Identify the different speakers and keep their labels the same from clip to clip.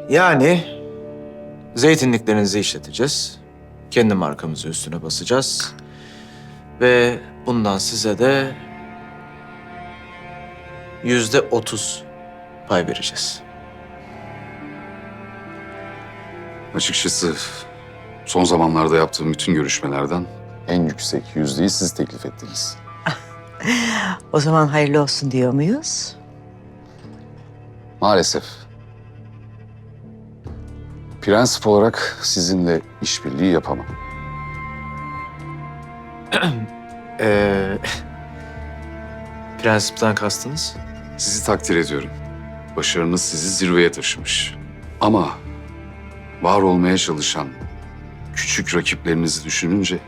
Speaker 1: Yani zeytinliklerinizi işleteceğiz. Kendi markamızı üstüne basacağız. Ve bundan size de %30 pay vereceğiz.
Speaker 2: Açıkçası son zamanlarda yaptığım bütün görüşmelerden en yüksek yüzdeyi siz teklif ettiniz.
Speaker 3: O zaman hayırlı olsun diyor muyuz?
Speaker 2: Maalesef. Prensip olarak sizinle işbirliği yapamam.
Speaker 1: Prensipten kastınız?
Speaker 2: Sizi takdir ediyorum. Başarınız sizi zirveye taşımış. Ama var olmaya çalışan küçük rakiplerinizi düşününce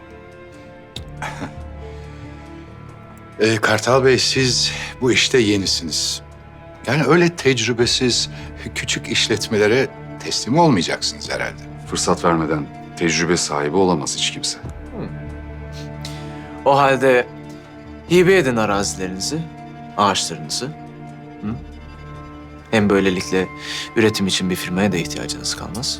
Speaker 4: Kartal Bey, siz bu işte yenisiniz. Yani öyle tecrübesiz küçük işletmelere teslim olmayacaksınız herhalde.
Speaker 2: fırsat vermeden tecrübe sahibi olamaz hiç kimse.
Speaker 1: O halde hibe edin arazilerinizi, ağaçlarınızı. Hı? Hem böylelikle üretim için bir firmaya da ihtiyacınız kalmaz.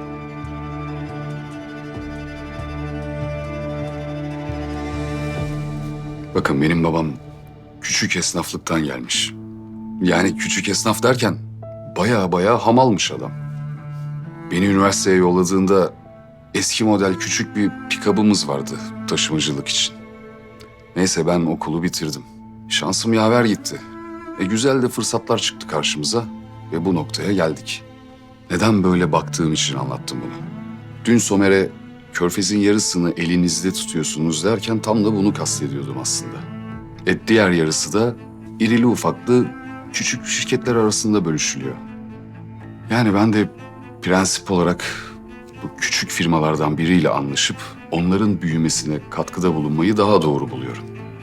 Speaker 2: Bakın benim babam küçük esnaflıktan gelmiş. Yani küçük esnaf derken baya hamalmış adam. Beni üniversiteye yolladığında eski model küçük bir pikabımız vardı taşımacılık için. Neyse ben okulu bitirdim. Şansım yaver gitti. Güzel de fırsatlar çıktı karşımıza ve bu noktaya geldik. Neden böyle baktığım için anlattım bunu. Dün Somer'e Körfez'in yarısını elinizde tutuyorsunuz derken tam da bunu kastediyordum aslında. Diğer yarısı da irili ufaklı küçük şirketler arasında bölüşülüyor. Yani ben de prensip olarak bu küçük firmalardan biriyle anlaşıp onların büyümesine katkıda bulunmayı daha doğru buluyorum.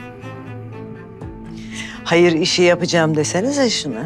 Speaker 3: Hayır işi yapacağım desenize şunu.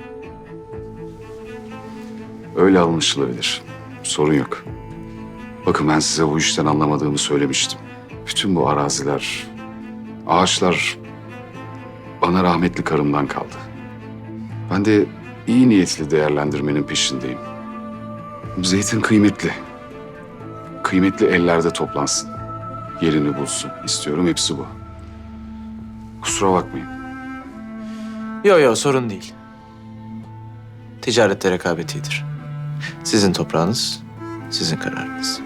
Speaker 2: Öyle anlaşılabilir. Sorun yok. Bakın ben size bu işten anlamadığımı söylemiştim. Bütün bu araziler, ağaçlar bana rahmetli karımdan kaldı. Ben de iyi niyetli değerlendirmenin peşindeyim. Zeytin kıymetli. Kıymetli ellerde toplansın. Yerini bulsun. İstiyorum, hepsi bu. Kusura bakmayın.
Speaker 1: Yo sorun değil. Ticarette rekabet iyidir. Sizin toprağınız, sizin kararınız.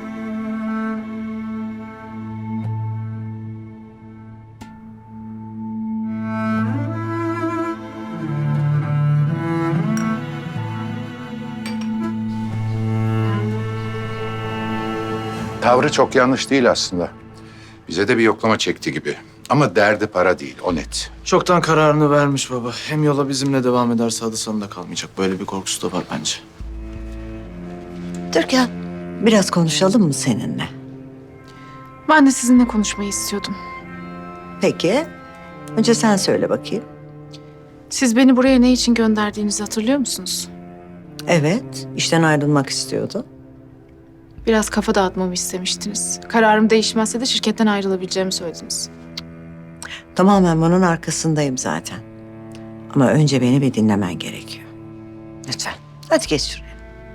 Speaker 4: Tavrı çok yanlış değil aslında. Bize de bir yoklama çekti gibi. Ama derdi para değil, o net.
Speaker 1: Çoktan kararını vermiş baba. Hem yola bizimle devam ederse adı sanında kalmayacak. Böyle bir korkusu da var bence.
Speaker 3: Türkan, biraz konuşalım mı seninle?
Speaker 5: Ben de sizinle konuşmayı istiyordum.
Speaker 3: Peki. Önce sen söyle bakayım.
Speaker 5: Siz beni buraya ne için gönderdiğinizi hatırlıyor musunuz?
Speaker 3: Evet, işten ayrılmak istiyordu.
Speaker 5: Biraz kafa dağıtmamı istemiştiniz. Kararım değişmezse de şirketten ayrılabileceğimi söylediniz.
Speaker 3: Tamamen bunun arkasındayım zaten. Ama önce beni bir dinlemen gerekiyor. Lütfen. Hadi geç şuraya.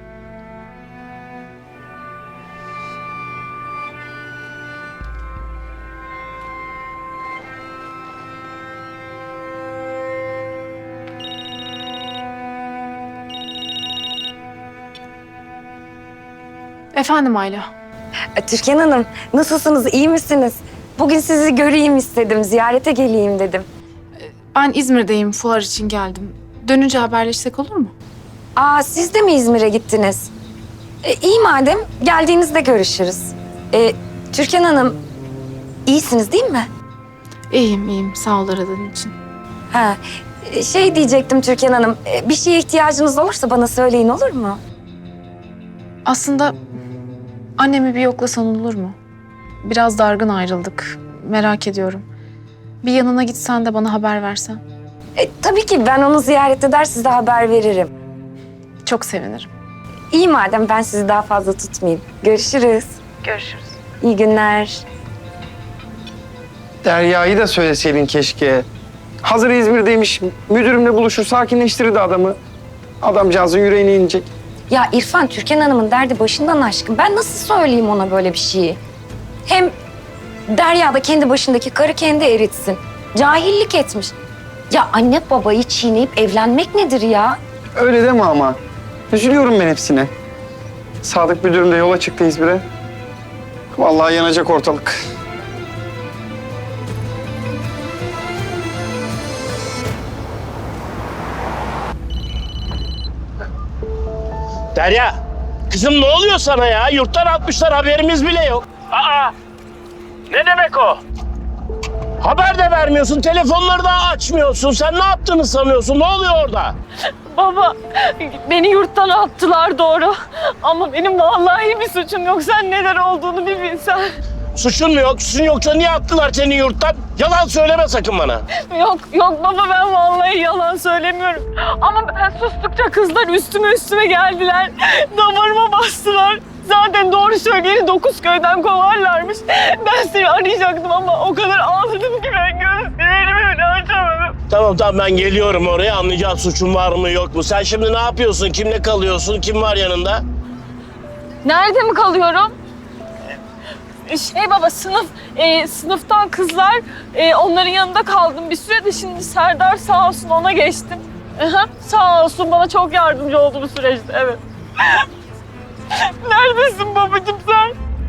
Speaker 5: Efendim Ayla.
Speaker 6: Türkan Hanım, nasılsınız, iyi misiniz? Bugün sizi göreyim istedim, ziyarete geleyim dedim.
Speaker 5: Ben İzmir'deyim, fuar için geldim. Dönünce haberleşsek olur mu?
Speaker 6: Aa, siz de mi İzmir'e gittiniz? İyi madem, geldiğinizde görüşürüz. Türkan Hanım, iyisiniz değil mi?
Speaker 5: İyiyim. Sağ ol aradığın için.
Speaker 6: Ha, şey diyecektim Türkan Hanım, bir şeye ihtiyacınız olursa bana söyleyin, olur mu?
Speaker 5: Aslında annemi bir yoklasan olur mu? Biraz dargın ayrıldık. Merak ediyorum. Bir yanına gitsen de bana haber versen.
Speaker 6: Tabii ki ben onu ziyaret eder, size haber veririm.
Speaker 5: Çok sevinirim.
Speaker 6: İyi madem, ben sizi daha fazla tutmayayım. Görüşürüz.
Speaker 5: Görüşürüz.
Speaker 6: İyi günler.
Speaker 7: Derya'yı da söyleseydin keşke. Hazır İzmir'deymiş, müdürümle buluşur, sakinleştirirdi adamı. Adamcağızın yüreğine inecek.
Speaker 6: Ya İrfan, Türkan Hanım'ın derdi başından aşkın. Ben nasıl söyleyeyim ona böyle bir şeyi? Hem Derya da kendi başındaki karı kendi eritsin. Cahillik etmiş. Ya anne babayı çiğneyip evlenmek nedir ya?
Speaker 7: Öyle deme ama. Üzülüyorum ben hepsine. Sadık müdürüm de yola çıktı İzmir'e. Vallahi yanacak ortalık.
Speaker 8: Derya, kızım ne oluyor sana ya? Yurttan atmışlar, haberimiz bile yok. Aa, ne demek o? Haber de vermiyorsun, telefonları da açmıyorsun. Sen ne yaptığını sanıyorsun? Ne oluyor orada?
Speaker 9: Baba, beni yurttan attılar doğru. Ama benim vallahi bir suçum yok. Sen neler olduğunu bir bilsen.
Speaker 8: Suçun mu yok? Suçun yoksa niye attılar seni yurttan? Yalan söyleme sakın bana.
Speaker 9: Yok baba, ben vallahi yalan söylemiyorum. Ama ben sustukça kızlar üstüme geldiler. Damarıma bastılar. Zaten doğru söyleyeni 9 köyden kovarlarmış. Ben seni arayacaktım ama o kadar ağladım ki ben gözlerimi bile açamadım.
Speaker 8: Tamam ben geliyorum oraya, anlayacağız suçun var mı yok mu. Sen şimdi ne yapıyorsun? Kimle kalıyorsun? Kim var yanında?
Speaker 9: Nerede mi kalıyorum? Baba, sınıftan kızlar, onların yanında kaldım bir süre de şimdi Serdar sağ olsun ona geçtim. Sağ olsun bana çok yardımcı oldu bu süreçte, evet. Neredesin babacığım sen?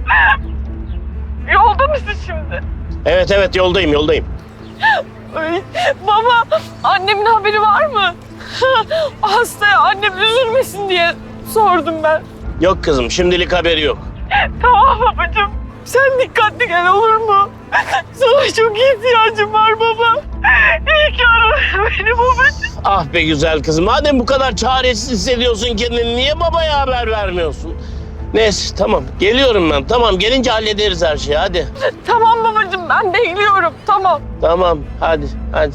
Speaker 9: Yolda mısın şimdi?
Speaker 8: Evet yoldayım.
Speaker 9: Ay, baba, annemin haberi var mı? Hastaya annem üzülmesin diye sordum ben.
Speaker 8: Yok kızım, şimdilik haberi yok.
Speaker 9: Tamam babacığım. Sen dikkatli gel, olur mu? Sana çok ihtiyacım var baba. İyi ki aradın beni babacığım.
Speaker 8: Ah be güzel kızım, madem bu kadar çaresiz hissediyorsun kendini, niye babaya haber vermiyorsun? Neyse tamam, geliyorum ben. Tamam, gelince hallederiz her şeyi, hadi.
Speaker 9: Tamam babacığım, ben bekliyorum. Tamam.
Speaker 8: Tamam, hadi.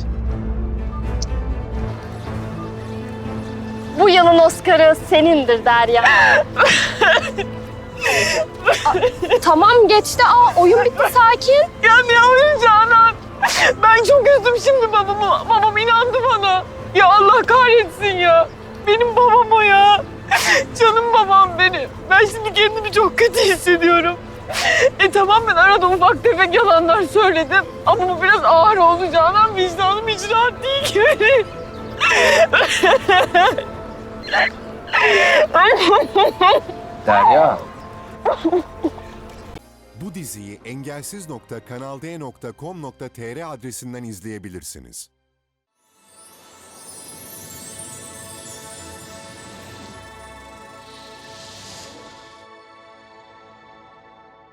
Speaker 10: Bu yılın Oscar'ı senindir Derya. Tamam geçti. Oyun bitti, sakin.
Speaker 9: Ya ne oyun Canan? Ben çok üzdüm şimdi babamı. Babam inandı bana. Ya Allah kahretsin ya. Benim babam o ya. Canım babam benim. Ben şimdi kendimi çok kötü hissediyorum. Tamam, ben arada ufak tefek yalanlar söyledim. Ama bu biraz ağır oldu Canan. Vicdanım hiç rahat değil ki benim.
Speaker 7: Derya.
Speaker 11: Bu diziyi engelsiz.kanalde.com.tr adresinden izleyebilirsiniz.